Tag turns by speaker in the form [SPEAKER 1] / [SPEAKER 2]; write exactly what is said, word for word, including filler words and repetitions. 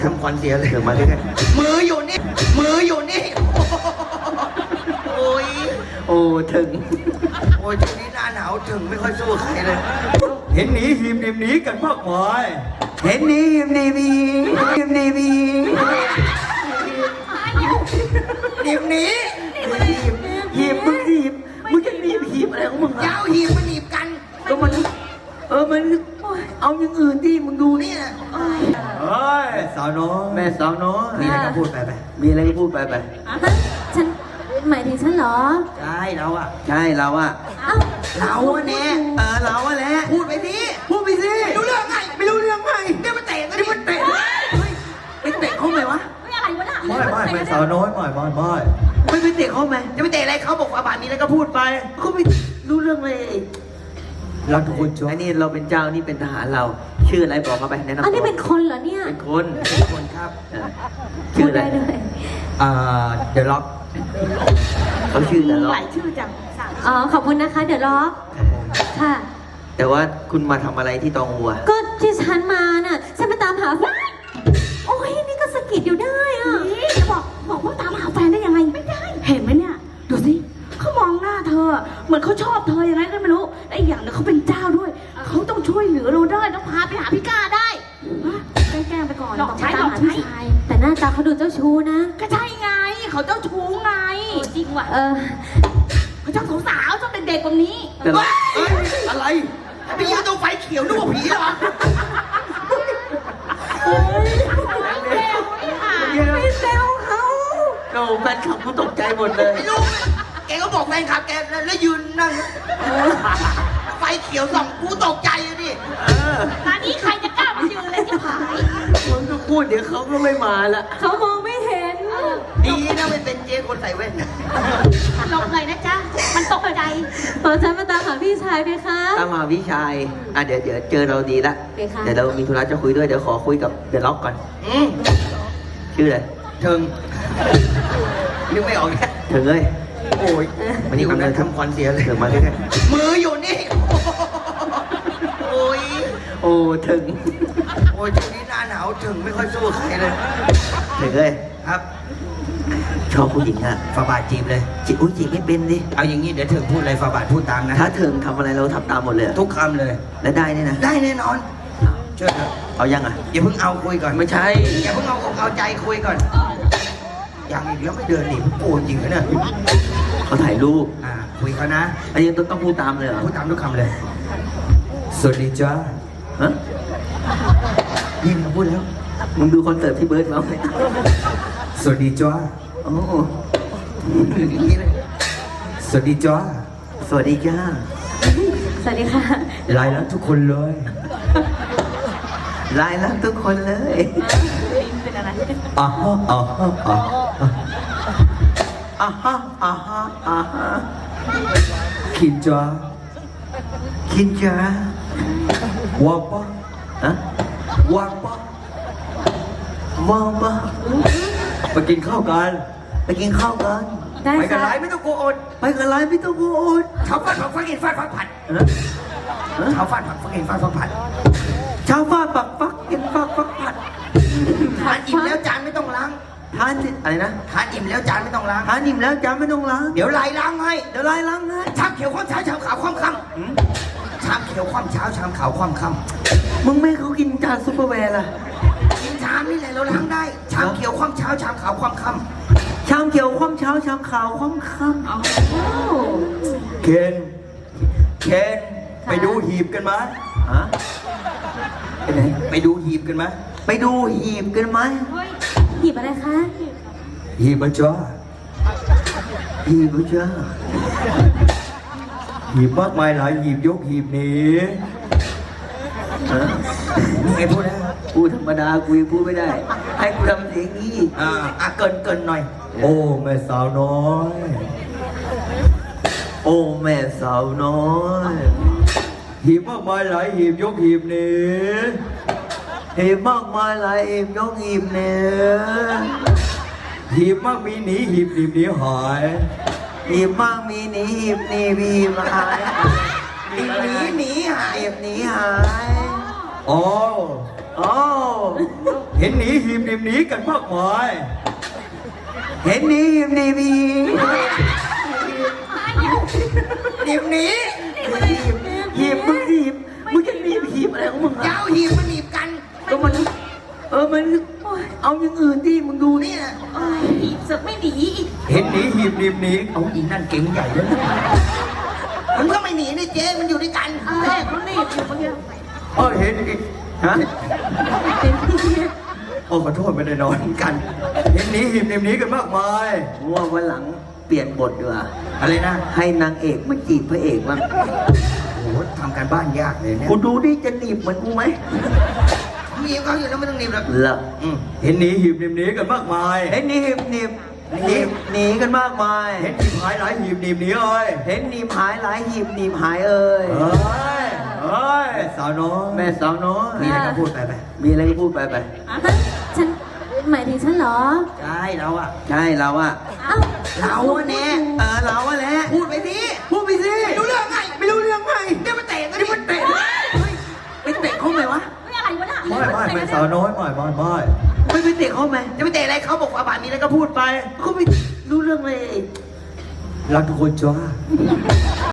[SPEAKER 1] ทำควันเสียเลยเดี๋ยวมาใกล้ๆมืออยู่นี่มืออยู่นี่โอ้ยโอ้ถึงโอ้ยช่วงนี้หน้าหนาวถึงไม่ค่อยสู้ใครเลยเห็นหนีหิมหนีหนีกันมากมายเห็นหนีหิมหนีมีหิมหนีมีหนีหนีหีบมึงหีบมึงจะหนีบหีบอะไรของมึงยาวหีบมันหนีบกันก็มันเออมันเอาอย่างอื่นที่มึงดูนี่นะเฮ้ยสาวน้อยแม่สาวน้อยมีอะไรก็พูดไปไปมีอะไรก็พูดไปไป
[SPEAKER 2] ฉันหมายถึงฉันเหรอ
[SPEAKER 1] ใช่เราอะใช่เราอะเราอะเนี่ยเออเราอะแหละพูดไปสิพูดไปสิไม่รู้เรื่องไงไม่รู้เรื่องไงเดี๋ยวมันเตะเดี๋ยวมันเตะไปเตะเขาไหมวะ
[SPEAKER 2] ไม่อะไรวะน่ะ
[SPEAKER 1] ไม่ไม่ไม่สาวน้อยไม่ไม่ไม่ไม่ไปเตะเขาไหมจะไปเตะอะไรเขาบอกว่าบาทนี้แล้วก็พูดไปเขาไม่รู้เรื่องเลยเราทุกคนช่วยอันนี้เราเป็นเจ้านี่เป็นทหารเราชื่ออะไรบอกมาไปแนะนำ
[SPEAKER 2] อันนี้เป็นคนเหรอเนี่ย
[SPEAKER 1] เป็นคนเป็นคนครับชื่ออะไรอ่าเดอะล็อกเขาชื่อเดอะล็อก
[SPEAKER 2] หลายชื่อจังอ๋อขอบคุณนะคะเดี๋ยวล็อกค่ะ
[SPEAKER 1] แต่ว่าคุณมาทำอะไรที่ตองหัว
[SPEAKER 2] ก็ที่ฉันมาน่ะฉันมาตามหาแฟนโอ้ยนี่ก็สะกิดอยู่ได้อ่ะ
[SPEAKER 3] จะบอกบอกว่าตามหาแฟนได้ยังไงไม่ได้เห็นไหมเนี่ยดูสิเขามองหน้าเธอเหมือนเขาชอบเธอยังไงก็ไม่รู้ไอ้อย่างเนี่ยเขาเป็นเจ้าด้วยเขาต้องช่วยเหลือเราได้ต้องพาไปหาพี่ก้าได้แกล้งไปก่อนหลอกใช้หลอกใช้
[SPEAKER 2] แต่หน้าตาเขาดูเจ้าชู้นะ
[SPEAKER 3] ก็ใช่ไงเขาเจ้าชู้ไง
[SPEAKER 2] จริงว่ะเออ
[SPEAKER 3] เขาชอบสาวๆชอบเด็กๆแบบนี้
[SPEAKER 1] อะไรไปยืนตรงไฟเขียวนึกว่าผีเหรอ
[SPEAKER 2] ไม่เซลเขา
[SPEAKER 1] เราแฟนคลับกูตกใจหมดเลยไม่รู้แกก็บอกแฟนคลับแกแล้วยืนนั่งไฟเขียวส่องกูตกใจเลยดิ
[SPEAKER 3] ตอนนี้ใครจะกล้ามายืนเลยที่ผาย
[SPEAKER 1] มึงก็พูดเดี๋ยวเขาก็ไม่มาละ
[SPEAKER 2] เขามองไม่เห็น
[SPEAKER 1] ดีนะไม่เป็นเจ๊คนใส่แว่น
[SPEAKER 3] หลบเลยนะจ๊ะมันตกใจ
[SPEAKER 2] พอฉันมาตามหาพี่ชายไปคะ
[SPEAKER 1] ตามหาพี่ชายอ่ะเดี๋ยวเดี๋ยวเจอเราดีละเดี๋ยวเรามีธุระจะคุยด้วยเดี๋ยวขอคุยกับเดอะล็อกก่อนชื่ออะไรเทิงนึกไม่ออกแค่เถิงเลยโอ้ยวันนี้กำลังทำควันเสียเลยเถิงมาใกล้ๆมืออยู่นี่โอ้ยโอ้เถิงโอ้ยช่วงนี้หน้าหนาวเถิงไม่ค่อยสู้ใครเลยเถิงเลยครับชอบผู้หญิงอะฝาบาทจีบเลยจีบอุ้ยจีบไม่เป็นดิเอาอย่างนี้เดี๋ยวเถิงพูดอะไรฝาบาทพูดตามนะถ้าเถิงทำอะไรเราทำตามหมดเลยทุกคำเลยและได้เนี่ยนะได้แน่นอนเชื่อเถอะเอายังอ่ะอย่าเพิ่งเอาคุยก่อนไม่ใช่อย่าเพิ่งเอาเอาใจคุยก่อนยังอีกแล้วไม่เดินหนีโกนจริงนะเนี่ยเขาถ่ายรูปอ่าคุยเขานะอันนี้ต้องต้องพูดตามเลยเหรอพูดตามทุกคำเลยสวัสดีจ้าฮะยิ้มมาพูดแล้วมึงดูคอนเสิร์ตพี่เบิร์ดแล้วไหมสวัสดีจ้าโอ้สวัสดีจ้าสวัสดีจ้า
[SPEAKER 2] สวัสดีค่ะ
[SPEAKER 1] ไลน์แล้วทุกคนเลยไลน์แล้วทุกคนเลย
[SPEAKER 3] เป็นอะไร
[SPEAKER 1] อ่าฮะอ่าฮะอ่าอ่าฮะอ่าฮะอ่าฮะคินจ้าคินจ้าวาปะฮะวาปะวาปะไปกินข้าวกันไปกินข้าวกันไปกันไลน์ไม่ต้องโกอดไปกันไลน์ไม่ต้องโกอดชาวฟาดผักฟักกินฟาดฟักผัดชาวฟาดผักฟักกินฟาดฟักผัดชาวฟาดผักฟักกินฟาดฟักผัดทานอิ่มแล้วจานไม่ต้องล้างทานอะไรนะทานอิ่มแล้วจานไม่ต้องล้างทานอิ่มแล้วจานไม่ต้องล้างเดี๋ยวไล่ล้างให้เดี๋ยวไล่ล้างให้ชามเขียวความเช้าชามขาวความค่ำชามเขียวความเช้าชามขาวความค่ำมึงไม่เขากินจานซุปเปอร์แวร์ล่ะกินชามนี่แหละเราล้างได้ชามเขียวความเช้าชามขาวความค่ำชามเขียวความเช้าชามขาวความค่ำเคนเคนไปดูหีบกันไหมฮะไปไหนไปดูหีบกันไหมไปดูหีบกันไหม
[SPEAKER 2] หีบอะไรคะ
[SPEAKER 1] หีบจ้าหีบจ้าหีบมากมายหลายหีบยกหีบนี้ไงพูดนะพูดธรรมดากูยังพูดไม่ได้ให้กูทำเสียงนี้อ่าอ่ะเกินเกินหน่อยโอ้แม่สาวน้อยโอ้แม่สาวน้อยหีบมากมายหลายหีบยกหีบนี้หีบมากมายหลายหีบยกหีบนี้หีบมากมีหนีหีบหนีหนีหายหีบมากมีหนีหีบหนีหีบหายหีบหนีหนีหายหีบหนีหายโอ้โอ้เห็นหนีหีบหนีบหนีกันมากมาย
[SPEAKER 4] เห็นหนีหีบหนีบหีหนีบหนีหีบมึงหีบมึงจะหนีบหีบอะไรของมึง
[SPEAKER 5] ยาวหีบมันหนีบกัน
[SPEAKER 4] ก็มันเออมันเอาอย่างอื่นที่มึงดูนี่นะ
[SPEAKER 3] เอ้ยอีกสึกไม่หนีอีก
[SPEAKER 1] เห็นหนีหีบหนีบหนีเอาอีนั่นเก่งใหญ่เลย
[SPEAKER 5] มันก็ไม่หนีนี่เจ๊มันอยู่ด้วยกัน
[SPEAKER 3] แม่เขาหนีบอยู่เมื่อกี้
[SPEAKER 1] เออเห็นอีกฮะโอ้ขอโทษไม่ได้นอนกัน เห็นหนีหีบหนีบหนีกันมากมาย
[SPEAKER 4] ว่าวันหลังเปลี่ยนบทดีกว่า
[SPEAKER 1] อะไรนะ
[SPEAKER 4] ให้นางเอกมาจีบพระเอกบ้าง
[SPEAKER 1] โอ้โหทำการบ้านยากเลยเนี่ย
[SPEAKER 4] กูดูดิจะหนีบเหมือนกูไหม
[SPEAKER 5] หนีบเขาอยู่แล้วไม่ต้องหนีบหรอก
[SPEAKER 4] เหรอ
[SPEAKER 1] อืมเห็นหนีหีบหนีบหนีกันมากมาย
[SPEAKER 4] เห็นหนีบหนีบหนีบหนีกันมากมาย
[SPEAKER 1] เห็นหีบหายหลายหีบหนีบหนีเอ้ย
[SPEAKER 4] เห็นหนีบหายหลายหีบหนีบหายเอ่ย
[SPEAKER 1] เอ้ยเอ้ยสาวน้อย
[SPEAKER 4] แม่สาวน้อย
[SPEAKER 1] มีอะไรก็พูดไปไป
[SPEAKER 4] มีอะไรก็พูดไปไป
[SPEAKER 2] ฮะฉันหมายถึงฉันเหรอ
[SPEAKER 1] ใช่เราอะ
[SPEAKER 4] ใช่เราอะ
[SPEAKER 2] เอ้า
[SPEAKER 5] เราอะแน่
[SPEAKER 4] เออเราอะแหละ
[SPEAKER 5] พูดไปสิ
[SPEAKER 4] พูดไปสิ
[SPEAKER 5] ไม่รู้เรื่องไง
[SPEAKER 4] ไม่รู้เรื่องไง
[SPEAKER 5] เดี๋ยวมันเตะกัน
[SPEAKER 4] นี่มันเตะไปเตะเขาไหมวะ
[SPEAKER 3] ไม่อะไรวะน่ะ
[SPEAKER 1] ไม่ไม่ไม่สาวน้อยไม่ไม่ไม่
[SPEAKER 4] ไม่ไปเตะเขาไหม
[SPEAKER 5] จะไปเตะอะไรเขาบอกว่าบาทมีอะไรก็พูดไป
[SPEAKER 4] เขาไม่รู้เรื่องเลย
[SPEAKER 1] รักทุกคนจ้า